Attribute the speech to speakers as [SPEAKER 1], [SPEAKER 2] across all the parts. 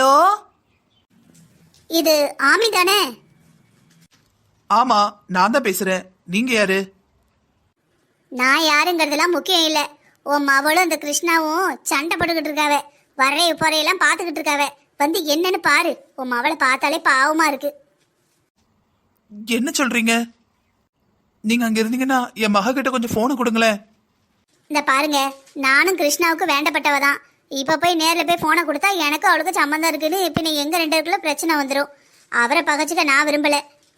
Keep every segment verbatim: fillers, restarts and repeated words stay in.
[SPEAKER 1] Hello,
[SPEAKER 2] இது ஆமி தானே?
[SPEAKER 1] ஆமா, நான் தான் பேசுறேன். நீங்க யாரு?
[SPEAKER 2] நான் யாருங்கிறதுலாம் முக்கியம் இல்ல. உன் மவளும் இந்த கிருஷ்ணாவும் சண்டை போட்டுக்கிட்டு இருக்காவ. வரைய போறையெல்லாம் பாத்துக்கிட்டு இருக்காவ. வந்து என்னன்னு பாரு. உன் மவளை பார்த்தாலே பாவமா இருக்கு.
[SPEAKER 1] என்ன சொல்றீங்க? நீங்க அங்க இருந்தீங்கன்னா என் மக கிட்ட கொஞ்சம் போனை கொடுங்களேன்.
[SPEAKER 2] இந்த பாருங்க, நானும் கிருஷ்ணாவுக்கு வேண்டப்பட்டவ தான். இப்ப போய் நேர்ல போய் போனை கொடுத்தா எனக்கு அவளுக்கு சம்மந்தம் இருக்குன்னு இப்ப நீ எங்க ரெண்டு பேருக்குள்ள பிரச்சனை வந்துடும். அவரை பகச்சுக்க நான் விரும்பல.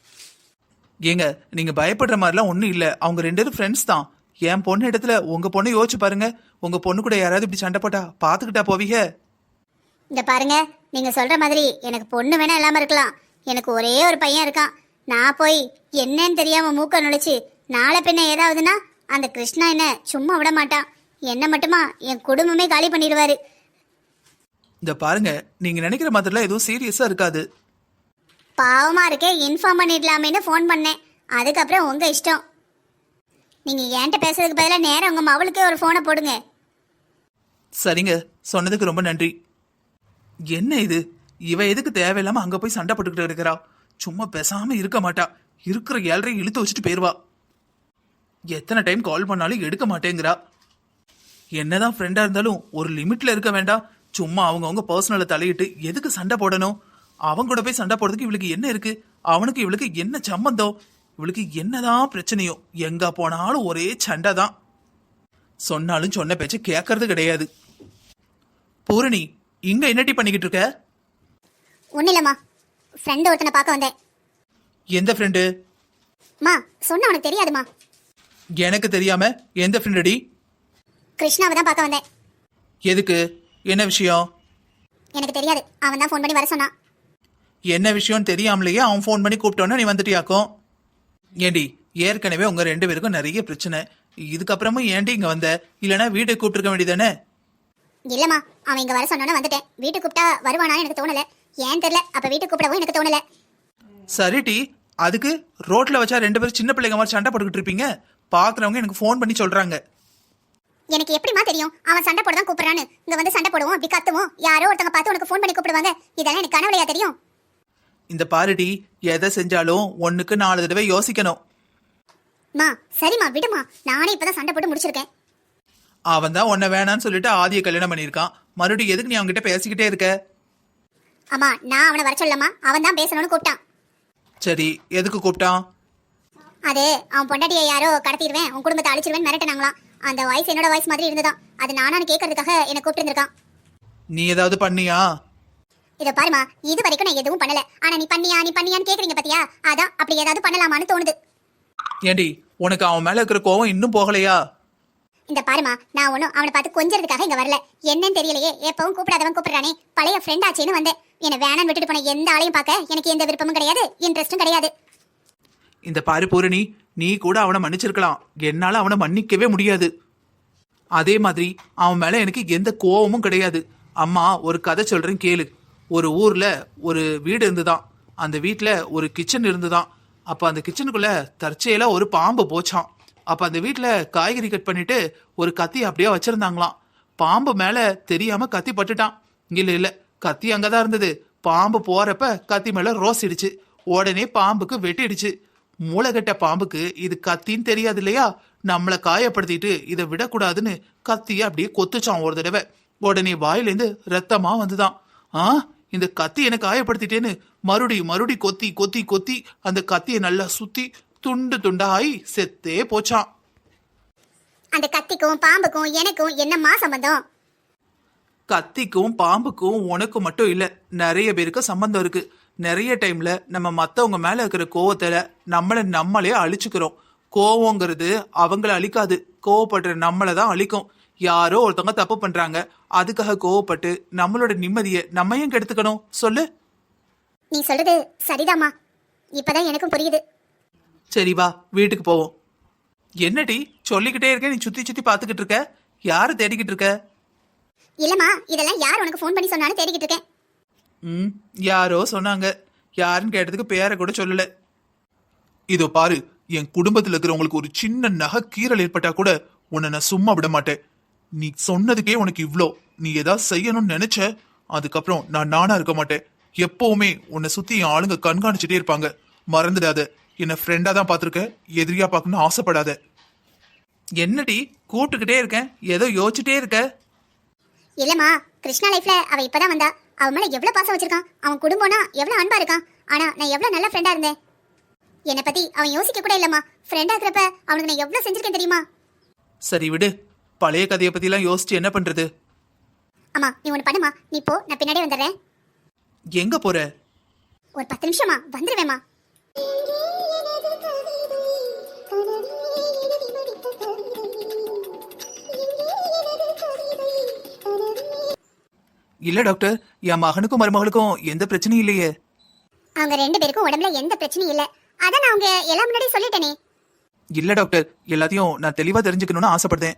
[SPEAKER 1] ஏங்க, நீங்க பயப்படுற மாதிரிலாம் ஒண்ணும் இல்ல. அவங்க ரெண்டு பேரும் ஃப்ரெண்ட்ஸ் தான். என் பொண்ணு இடத்துல உங்க பொண்ணு யோசிச்சு பாருங்க. உங்க பொண்ணு கூட யாராவது இப்படி சண்டை போட்டா பாத்துக்கிட்டா போவீங்க?
[SPEAKER 2] இந்த பாருங்க, நீங்க சொல்ற மாதிரி எனக்கு பொண்ணு வேணா இல்லாம இருக்கலாம். எனக்கு ஒரே ஒரு பையன் இருக்கான். நான் போய் என்னன்னு தெரியாம மூக்க நுழைச்சு நாளை பின்ன ஏதாவதுன்னா அந்த கிருஷ்ணா என்ன சும்மா விட மாட்டான். என்ன மட்டுமா என் குடும்பமே காலி பண்ணிடுவாரு.
[SPEAKER 1] இந்த பாருங்க, நீங்க நினைக்கிற மாதிரிலாம் எதுவும் சீரியஸா இருக்காது.
[SPEAKER 2] பாவமா இருக்கே, இன்ஃபார்ம் பண்ணிடலாமேன்னு ஃபோன் பண்ணேன். அதுக்கப்புறம் உங்க இஷ்டம். நீங்க என்கிட்ட பேசுறதுக்கு பதிலாக நேரம் உங்க மவளுக்கே ஒரு போனை போடுங்க.
[SPEAKER 1] சரிங்க, சொன்னதுக்கு ரொம்ப நன்றி. என்ன இது, இவ எதுக்கு தேவையில்லாம அங்க போய் சண்டை போட்டுக்கிட்டு இருக்கிறா? சும்மா பேசாம இருக்க மாட்டா. இருக்கிற ஏழரையும் இழுத்து வச்சுட்டு போயிருவா. எத்தனை டைம் கால் பண்ணாலும் எடுக்க மாட்டேங்கிறா. என்னதான் ஃப்ரெண்டா இருந்தாலும் ஒரு லிமிட்ல இருக்க வேண்டாம். சும்மா அவங்கவுங்க பர்சனலை தலையிட்டு எதுக்கு சண்டை போடணும்? அவங்க கூட போய் சண்டை போடுறதுக்கு இவளுக்கு என்ன இருக்கு? அவனுக்கு இவளுக்கு என்ன சம்பந்தம்? இவளுக்கு என்னதான் பிரச்சனையோ? எங்க போனாலும் ஒரே சண்டை தான். சொன்னாலும் சொன்ன பேச்சு கேட்கறது கிடையாது. பூரணி, இங்க என்னடி பண்ணிக்கிட்டு இருக்க?
[SPEAKER 2] ஒன்னும் இல்லம்மா, ஃப்ரெண்டு ஒருத்தனை பார்க்க வந்தேன்.
[SPEAKER 1] எந்த ஃப்ரெண்டு?
[SPEAKER 2] மா சொன்ன உனக்கு தெரியாதுமா?
[SPEAKER 1] எனக்கு தெரியாம எந்த ஃப்ரெண்டடி?
[SPEAKER 2] கிருஷ்ணாவை தான் பார்க்க வந்தேன்.
[SPEAKER 1] எதுக்கு? என்ன விஷயம்?
[SPEAKER 2] எனக்கு தெரியாது, அவன் தான் ஃபோன் பண்ணி வர சொன்னான்.
[SPEAKER 1] என்ன விஷயம் தெரியாமலேயே அவன் ஃபோன் பண்ணி கூப்பிட்டோன்னா நீ வந்துட்டியாக்கும். ஏண்டி, ஏற்கனவே உங்க ரெண்டு பேருக்கும் நிறைய பிரச்சனை. இதுக்கப்புறமும் ஏண்டி இங்க வந்த? இல்லைன்னா வீட்டுக்கு கூப்பிட்டுருக்க வேண்டியதானே?
[SPEAKER 2] இல்லம்மா, அவன் இங்க வர சொன்னோன்னு வந்துட்டேன். வீட்டுக்கு கூப்பிட்டா வருவானான்னு எனக்கு தோணல. ஏன் தெரியல, அப்ப வீட்டுக்கு கூப்பிடவும் எனக்கு தோணல.
[SPEAKER 1] சரி டி, அதுக்கு ரோட்ல வச்சா ரெண்டு பேரும் சின்ன பிள்ளைங்க மாதிரி சண்டை போட்டுக்கிட்டு இருப்பீங்க. பாக்குறவங்க எனக்கு ஃபோன் பண்ணி சொல்றாங்க.
[SPEAKER 2] எனக்கு எப்படிமா தெரியும் அவன் சண்டை போட தான் கூப்பிடுறான்னு? இங்க வந்து சண்டை போடுவோம், அப்படி கத்துவோம், யாரோ ஒருத்தங்க பார்த்து உனக்கு ஃபோன் பண்ணி கூப்பிடுவாங்க. இதெல்லாம் எனக்கு கனவுலையா தெரியும்?
[SPEAKER 1] இந்த பாருடி, எதை செஞ்சாலும் ஒண்ணுக்கு நாலு தடவை யோசிக்கணும்.
[SPEAKER 2] மா சரிம்மா விடுமா, நானே இப்பதான் சண்டை போட்டு முடிச்சிருக்கேன்.
[SPEAKER 1] அவன் தான் உன்னை வேணான்னு சொல்லிட்டு ஆதிய கல்யாணம் பண்ணியிருக்கான். மறுபடியும் எதுக்கு நீ அவன்கிட்ட பேசிக்கிட்டே இருக்க?
[SPEAKER 2] அம்மா, நான் அவனை வர சொல்லமா, அவன் தான் பேசணும்னு கூப்பிட்டான்.
[SPEAKER 1] சரி, எதுக்கு கூப்பிட்டான்?
[SPEAKER 2] அது அவன் பொண்டாட்டியை யாரோ கடத்திடுவேன், உன் குடும்பத்தை அழிச்சிருவேன் மிரட்டினாங்களாம். அந்த வாய்ஸ் என்னோட வாய்ஸ் மாதிரி இருந்ததான். அது நானான்னு கேட்கறதுக்காக என்ன கூப்பிட்டு இருந்திருக்கான்.
[SPEAKER 1] நீ ஏதாவது பண்ணியா?
[SPEAKER 2] இத பாருமா, இது வரைக்கும் நான் எதுவும் பண்ணல. ஆனா நீ பண்ணியா நீ பண்ணியான்னு கேக்குறீங்க பாத்தியா? அதான் அப்படி ஏதாவது பண்ணலாமான்னு தோணுது.
[SPEAKER 1] ஏண்டி, உனக்கு அவன் மேல இருக்கிற கோவம் இன்னும் போகலையா?
[SPEAKER 2] இந்த பாருமா, நான் ஒன்னும் அவனை பார்த்து கொஞ்சறதுக்காக இங்க வரல. என்னன்னு தெரியலையே, எப்பவும் கூப்பிடாதவன் கூப்பிடுறானே, பழைய ஃப்ரெண்ட் ஆச்சேன்னு வந்தேன். என்ன வேணான்னு விட்டுட்டு போன எந்த ஆளையும் பார்க்க எனக்கு எந்த விருப்பமும் கிடையாது, இன்ட்ரெஸ்டும் கிடையாது.
[SPEAKER 1] இந்த பாரு பூரணி, நீ கூட அவனை மன்னிச்சிருக்கலாம். என்னால அவனை மன்னிக்கவே முடியாது. அதே மாதிரி அவன் மேல எனக்கு எந்த கோவமும் கிடையாது. அம்மா, ஒரு கதை சொல்றேன் கேளு. ஒரு ஊர்ல ஒரு வீடு இருந்துதான். அந்த வீட்டுல ஒரு கிச்சன் இருந்துதான். அப்ப அந்த கிச்சனுக்குள்ள தற்செயலா ஒரு பாம்பு போச்சான். அப்ப அந்த வீட்டுல காய்கறி கட் பண்ணிட்டு ஒரு கத்தி அப்படியே வச்சிருந்தாங்களாம். பாம்பு மேல தெரியாம கத்தி பட்டுட்டான். இல்ல இல்ல, கத்தி அங்கதான் இருந்தது. பாம்பு போறப்ப கத்தி மேல ரோஸ் இடிச்சு. உடனே பாம்புக்கு வெட்டிடுச்சு. மூளைகட்ட பாம்புக்கு இது கத்தின்னு தெரியாது இல்லையா? நம்மளை காயப்படுத்திட்டு இதை விடக்கூடாதுன்னு கத்திய அப்படியே கொத்துச்சான் ஒரு தடவை. உடனே வாயிலேருந்து ரத்தமா வந்துதான். ஆ, இந்த கத்தி எனக்கு காயப்படுத்திட்டேன்னு மறுபடி மறுபடி கொத்தி கொத்தி கொத்தி அந்த கத்தியை நல்லா சுத்தி துண்டு துண்டாயி செத்தே போச்சான்.
[SPEAKER 2] அந்த கத்திக்கும் பாம்புக்கும் எனக்கும் என்னம்மா சம்பந்தம்?
[SPEAKER 1] கத்திக்கும் பாம்புக்கும் உனக்கு மட்டும் இல்ல, நிறைய பேருக்கு சம்பந்தம் இருக்கு. நிறைய டைம்ல நம்ம மத்தவங்க மேல இருக்கிற கோவத்துல நம்மள நம்மளே அழிச்சுக்கிறோம். கோவங்கிறது அவங்கள அழிக்காது, கோவப்படுற நம்மளை தான் அழிக்கும். யாரோ ஒருத்தவங்க தப்பு பண்றாங்க, அதுக்காக கோவப்பட்டு நம்மளோட நிம்மதியை நம்ம ஏன் கெடுத்துக்கணும் சொல்லு?
[SPEAKER 2] நீ சொல்றது சரிதாம்மா, இப்பதான் எனக்கும் புரியுது.
[SPEAKER 1] சரி வா, வீட்டுக்கு போவோம். என்னடி சொல்லிக்கிட்டே இருக்க, நீ சுத்தி சுத்தி பாத்துக்கிட்டு இருக்க? யாரு தேடிக்கிட்டு இருக்க?
[SPEAKER 2] இல்லம்மா, இதெல்லாம் யார் உனக்கு ஃபோன் பண்ணி சொன்னாலும் தேடிக்கிட்டு இருக்கேன்.
[SPEAKER 1] ம், யாரோ சொன்னாங்க. யாருன்னு கேட்டதுக்கு பேரை கூட சொல்லல. இதோ பாரு, என் குடும்பத்துல இருக்கிறவங்களுக்கு ஒரு சின்ன நகை கீறல் ஏற்பட்டா கூட உன்னை நான் சும்மா விட மாட்டேன். நீ சொன்னதுக்கே உனக்கு இவ்ளோ. நீ ஏதாவது செய்யணும்னு நினைச்ச,
[SPEAKER 3] அதுக்கப்புறம் நான் நானா இருக்க மாட்டேன். எப்பவுமே உன்னை சுத்தி என் ஆளுங்க கண்காணிச்சுட்டே இருப்பாங்க. மறந்துடாத. என்ன ஃப்ரெண்டா தான் பாத்திருக்க, எதிரியா பார்க்கணும்னு ஆசைப்படாத.
[SPEAKER 1] என்னடி கூப்பிட்டுக்கிட்டே இருக்கேன், ஏதோ யோசிச்சுட்டே இருக்க?
[SPEAKER 2] இல்லம்மா, கிருஷ்ணா லைஃப்ல அவ இப்பதான் வந்தா. அவ மேல எவ்வளவு பாசம் வச்சிருக்கான், அவன் குடும்பம்னா எவ்வளவு அன்பா இருக்கான். ஆனா நான் எவ்வளவு நல்ல ஃப்ரெண்டா இருந்தேன். என்னை பத்தி அவன் யோசிக்க கூட இல்லம்மா. ஃப்ரெண்டா இருக்கிறப்ப அவனுக்கு நான் எவ்வளவு செஞ்சிருக்கேன் தெரியுமா?
[SPEAKER 1] சரி விடு, பழைய கதையை பத்திலாம் யோசிச்சு என்ன பண்றது?
[SPEAKER 2] அம்மா நீ ஒண்ணு பண்ணுமா, நீ போ, நான் பின்னாடியே வந்துடுறேன்.
[SPEAKER 1] எங்க போற?
[SPEAKER 2] ஒரு பத்து நிமிஷமா வந்துருவேம்மா.
[SPEAKER 1] இல்ல டாக்டர், என் மகனுக்கும் மருமகளுக்கும் எந்த பிரச்சனையும் இல்லையே.
[SPEAKER 2] அவங்க ரெண்டு பேருக்கும் உடம்புல எந்த பிரச்சனையும் இல்ல. அதான் நான் அவங்க எல்லாம் முன்னாடி சொல்லிட்டேனே.
[SPEAKER 1] இல்ல டாக்டர், எல்லாத்தையும் நான் தெளிவா தெரிஞ்சுக்கணும்னு ஆசைப்படுறேன்.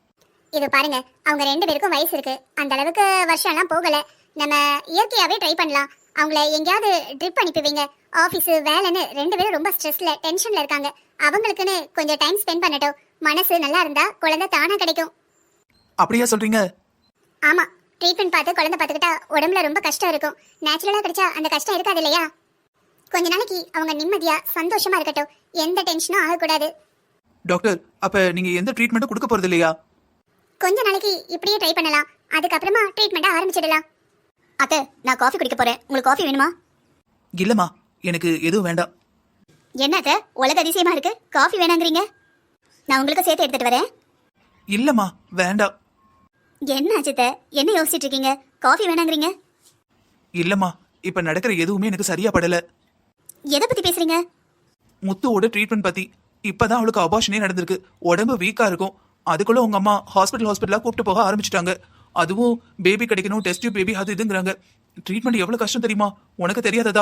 [SPEAKER 2] இது பாருங்க, அவங்க ரெண்டு பேருக்கும் வயசு இருக்கு, அந்த அளவுக்கு வருஷம் எல்லாம் போகல. நம்ம இயற்கையாவே ட்ரை பண்ணலாம். அவங்கள எங்கேயாவது ட்ரிப் அனுப்பிவிங்க. ஆஃபீஸ் வேலைன்னு ரெண்டு பேரும் ரொம்ப ஸ்ட்ரெஸ்ல டென்ஷன்ல இருக்காங்க. அவங்களுக்குன்னு கொஞ்சம் டைம் ஸ்பெண்ட் பண்ணட்டும். மனசு நல்லா இருந்தா குழந்தை தானா கிடைக்கும்.
[SPEAKER 1] அப்படியா சொல்றீங்க?
[SPEAKER 2] ஆமா, ட்ரீட்மெண்ட் பார்த்து குழந்தை பார்த்துக்கிட்டா உடம்புல ரொம்ப கஷ்டம் இருக்கும். நேச்சுரலா கிடைச்சா அந்த கஷ்டம் இருக்காது இல்லையா? கொஞ்ச நாளைக்கு அவங்க நிம்மதியா சந்தோஷமா இருக்கட்டும். எந்த டென்ஷனும் ஆகக்கூடாது.
[SPEAKER 1] டாக்டர், அப்ப நீங்க எந்த ட்ரீட்மெண்ட்டும் கொடுக்க போறது இல்லையா?
[SPEAKER 2] கொஞ்ச நாளைக்கு இப்படியே ட்ரை பண்ணலாம். அதுக்கப்புறமா ட்ரீட்மெண்ட்டை ஆரம்பிச்சிடலாம். அத்தை, நான் காஃபி குடிக்க போறேன். உங்களுக்கு காஃபி வேணுமா?
[SPEAKER 1] இல்லம்மா, எனக்கு எதுவும் வேண்டாம்.
[SPEAKER 2] என்ன அத்தை, உலக அதிசயமா இருக்கு, காஃபி வேணாங்கிறீங்க? நான் உங்களுக்கு சேர்த்து எடுத்துட்டு வரேன்.
[SPEAKER 1] இல்லம்மா, வேண்டாம்.
[SPEAKER 2] என்ன அஜித்த, என்ன யோசிச்சுட்டு இருக்கீங்க? காஃபி வேணாங்கிறீங்க?
[SPEAKER 1] இல்லம்மா, இப்ப நடக்கிற எதுவுமே எனக்கு சரியா படல.
[SPEAKER 2] எதை பத்தி பேசுறீங்க?
[SPEAKER 1] முத்துவோட ட்ரீட்மெண்ட் பத்தி. இப்பதான் அவளுக்கு அபார்ஷனே நடந்திருக்கு. உடம்பு வீக்கா இருக்கும். அதுக்குள்ள உங்க அம்மா ஹாஸ்பிட்டல் ஹாஸ்பிட்டலா கூப்பிட்டு போக ஆரம்பிச்சிட்டாங்க. அதுவும் பேபி கிடைக்கணும், டெஸ்ட் டியூப் பேபி, அது இதுங்கிறாங்க. ட்ரீட்மெண்ட் எவ்வளவு கஷ்டம் தெரியுமா? உனக்கு தெரியாததா?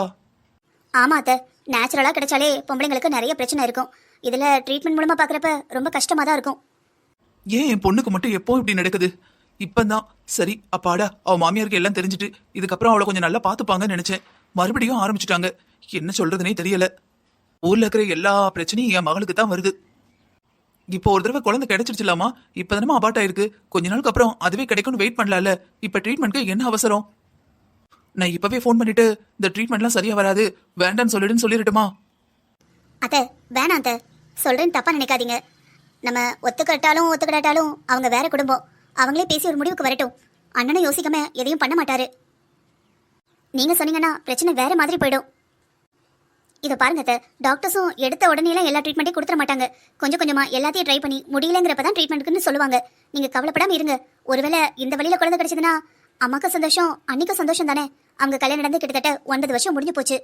[SPEAKER 2] ஆமா அத்தை, நேச்சுரலா கிடைச்சாலே பொம்பளைங்களுக்கு நிறைய பிரச்சனை இருக்கும். இதுல ட்ரீட்மெண்ட் மூலமா பாக்குறப்ப ரொம்ப கஷ்டமா தான் இருக்கும்.
[SPEAKER 1] ஏன் என் பொண்ணுக்கு மட்டும் எப்போ இப்படி நடக்குது? இப்பதான் சரி அப்பாடா அவ மாமியாருக்கு எல்லாம் தெரிஞ்சுட்டு இதுக்கப்புறம் அவளை கொஞ்சம் நல்லா பாத்துப்பாங்கன்னு நினைச்சேன். மறுபடியும் ஆரம்பிச்சுட்டாங்க. என்ன சொல்றதுனே தெரியல. ஊர்ல இருக்கிற எல்லா பிரச்சனையும் என் மகளுக்கு தான் வருது. இப்போ ஒரு தடவை குழந்தை கிடைச்சிருச்சுலாமா? இப்பதானமா அபார்ட் ஆயிருக்கு. கொஞ்ச நாளுக்கு அப்புறம் அதுவே கிடைக்கும்னு வெயிட் பண்ணலாம்ல. இப்ப ட்ரீட்மெண்ட்க்கு என்ன அவசரம்? நான் இப்பவே ஃபோன் பண்ணிட்டு இந்த ட்ரீட்மெண்ட்லாம் சரியா வராது, வேண்டான்னு சொல்லிடுன்னு சொல்லிடட்டுமா?
[SPEAKER 2] அத்தை வேணாம் அத்தை, சொல்றேன்னு தப்பா நினைக்காதீங்க. நம்ம ஒத்துக்கிட்டாலும் ஒத்துக்கிட்டாலும் அவங்க வேற குடும்பம். அவங்களே பேசி ஒரு முடிவுக்கு வரட்டும். அண்ணனும் யோசிக்காம எதையும் பண்ண மாட்டாரு. நீங்க சொன்னீங்கன்னா பிரச்சனை வேற மாதிரி போயிடும். இதை பாருங்க அத்தை, டாக்டர்ஸும் எடுத்த உடனேலாம் எல்லா ட்ரீட்மெண்ட்டையும் கொடுத்துட மாட்டாங்க. கொஞ்சம் கொஞ்சமா எல்லாத்தையும் ட்ரை பண்ணி முடியலங்கிறப்பதான் ட்ரீட்மெண்ட்டுக்குன்னு சொல்லுவாங்க. நீங்க கவலைப்படாம இருங்க. ஒருவேளை இந்த வழியில குழந்தை கிடைச்சதுன்னா அம்மாக்கு சந்தோஷம், அன்னைக்கும் சந்தோஷம் தானே. அவங்க கல்யாணம் நடந்து கிட்டத்தட்ட ஒன்பது வருஷம் முடிஞ்சு போச்சு.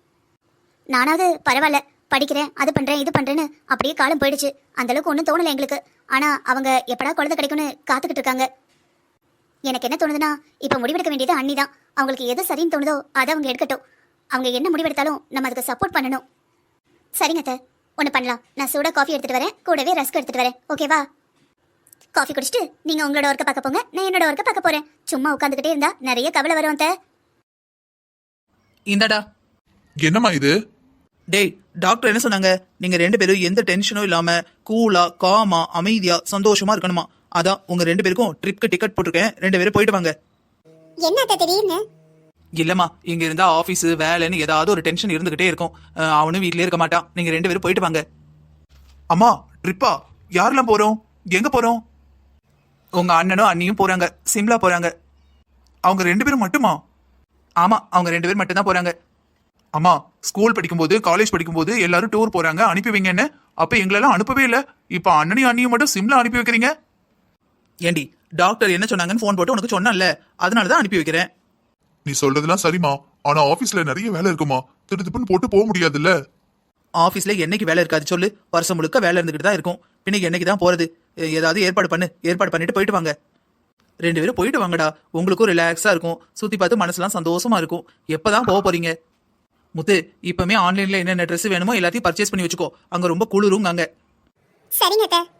[SPEAKER 2] நானாவது பரவாயில்ல, படிக்கிறேன், அது பண்றேன், இது பண்றேன்னு அப்படியே காலம் போயிடுச்சு. அந்த அளவுக்கு ஒன்றும் தோணலை எங்களுக்கு. ஆனா அவங்க எப்படா குழந்தை கிடைக்கும்னு காத்துக்கிட்டு இருக்காங்க. எனக்கு என்ன தோணுதுன்னா, இப்ப முடிவெடுக்க வேண்டியது அண்ணி தான். அவங்களுக்கு எது சரின்னு தோணுதோ அதை அவங்க எடுக்கட்டும். அவங்க என்ன முடிவெடுத்தாலும் நம்ம அதுக்கு சப்போர்ட் பண்ணணும். சரிங்க அத்தை, ஒன்று பண்ணலாம். நான் சூடாக காஃபி எடுத்துட்டு வரேன், கூடவே ரஸ்க் எடுத்துட்டு வரேன். ஓகேவா? காஃபி குடிச்சிட்டு நீங்க உங்களோட ஒர்க்கை பார்க்க போங்க, நான் என்னோட ஒர்க்கை பார்க்க போறேன். சும்மா உட்காந்துக்கிட்டே இருந்தா நிறைய கவலை வரும் அத்தை.
[SPEAKER 1] இந்தடா.
[SPEAKER 3] என்னம்மா இது?
[SPEAKER 1] டேய், டாக்டர் என்ன சொன்னாங்க? நீங்க ரெண்டு பேரும் எந்த டென்ஷனும் இல்லாம கூலா காமா அமைதியா சந்தோஷமா இருக்கணுமா. அதான் உங்க ரெண்டு பேருக்கும் ட்ரிப்க்கு டிக்கெட் போட்டிருக்கேன். ரெண்டு பேரும் போயிட்டு வாங்க.
[SPEAKER 2] என்ன அத்தை திடீர்னு?
[SPEAKER 1] இல்லம்மா, இங்க இருந்தா ஆபீஸ் வேலைன்னு ஏதாவது ஒரு டென்ஷன் இருந்துகிட்டே இருக்கும். அஹ், அவனும் வீட்லயே இருக்க மாட்டான். நீங்க ரெண்டு பேரும் போயிட்டு வாங்க.
[SPEAKER 3] அம்மா, ட்ரிப்பா? யாரெல்லாம் போறோம்? எங்க போறோம்?
[SPEAKER 1] உங்க அண்ணனும் அண்ணியும் போறாங்க. சிம்லா போறாங்க.
[SPEAKER 3] அவங்க ரெண்டு பேரும் மட்டுமா?
[SPEAKER 1] ஆமா, அவங்க ரெண்டு பேரும் மட்டும் தான் போறாங்க.
[SPEAKER 3] அம்மா, ஸ்கூல் படிக்கும்போது காலேஜ் படிக்கும்போது எல்லாரும் டூர் போறாங்க, அனுப்பி வைங்கன்னு. அப்ப எங்களெல்லாம் அனுப்பவே இல்ல. இப்ப அண்ணனையும் அண்ணியும் மட்டும் சிம்லா அனுப்பி வைக்கிறீங்க?
[SPEAKER 1] ஏண்டி, டாக்டர் என்ன சொன்னாங்கன்னு போன் போட்டு உனக்கு சொன்னல, அதனாலதான் அனுப்பி வைக்கிறேன்.
[SPEAKER 3] நீ சொல்றதெல்லாம் சரிம்மா, ஆனா ஆபீஸ்ல நிறைய வேலை இருக்குமா, திருத்துப்புன்னு போட்டு போக முடியாதுல்ல.
[SPEAKER 1] ஆபீஸ்ல என்னைக்கு வேலை இருக்காது சொல்லு? வருஷம் முழுக்க வேலை இருந்துகிட்டு தான் இருக்கும். பின்ன என்னைக்கு தான் போறது? ஏதாவது ஏற்பாடு பண்ணு. ஏற்பாடு பண்ணிட்டு போயிட்டு வாங்க. ரெண்டு பேரும் போயிட்டு வாங்கடா. உங்களுக்கும் ரிலாக்ஸா இருக்கும். சுத்தி பார்த்து மனசுலாம் சந்தோஷமா இருக்கும். எப்பதான் போக போறீங்க? முத்து, இப்பவுமே ஆன்லைன்ல என்னென்ன ட்ரெஸ் வேணுமோ எல்லாத்தையும் பர்ச்சேஸ் பண்ணி வச்சுக்கோ. அங்க ரொம்ப குளிருங்க.
[SPEAKER 2] சரிங்க அத்தை.